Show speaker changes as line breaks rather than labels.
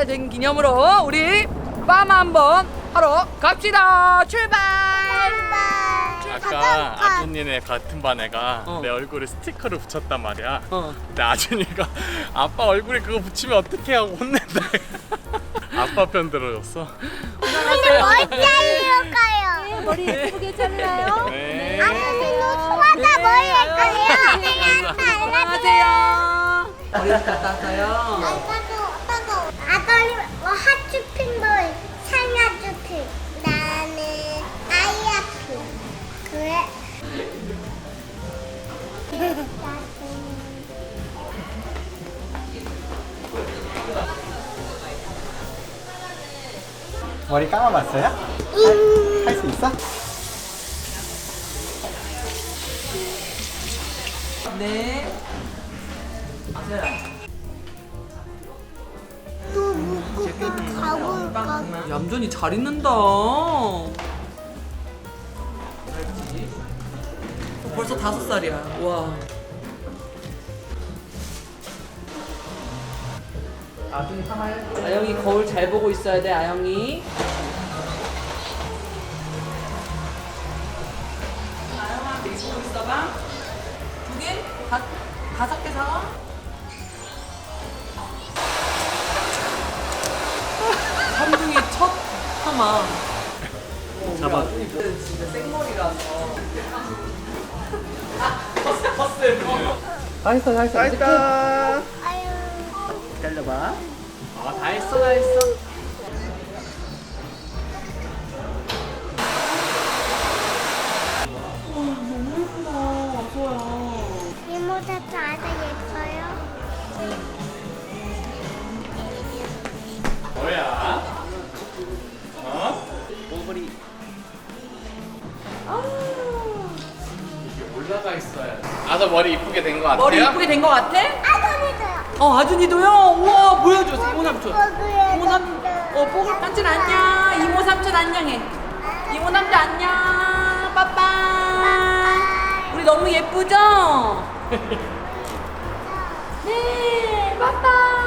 살 된 기념으로 우리 빠마 한번 하러 갑시다. 출발.
아까 아준이네 같은 반 애가
어.
내 얼굴에 스티커를 붙였단 말이야.
어.
근데 아준이가 아빠 얼굴에 그거 붙이면 어떡해 하고 혼낸다. 아빠 편 들어줬어.
머리자르러 가요.
머리 예쁘게 잘라요.
네.
소화가 머리 할 거예요.
안녕하세요. 머리 갔다 왔어요.
아들이 핫주핑볼 상하주핑 나는 아이아핑 그래.
머리 감아봤어요? 할 수 있어?
네. 아세요.
또 묶고 가볼까?
얌전히 잘 있는다. 벌써 5살이야. 와. 아영이 거울 잘 보고 있어야 돼, 아영이. 아영아, 보고 있어봐. 2개? 5개 사와? 삼둥이 첫 하마. 잡아. 진짜 생머리라서.
다 했어, 다 했어. 다 했다.
아유.
기다려봐.
다 했어, 다 했어.
이모자도 아주 예뻐요.
뭐야? 어?
머리.
이게 올라가 있어야 돼. 아저 머리 이쁘게 된 거 같아요?
머리 이쁘게 된 거 같아?
아들이도요.
아준이도요? 우와, 보여줘, 이모 삼촌.
뽀글뽀글.
이모 삼촌. 뽀글 삼촌 안녕. 이모 삼촌 안녕해. 이모 삼촌 안녕. 빠빠. 우리 너무 예쁘죠? 네, 빠빠.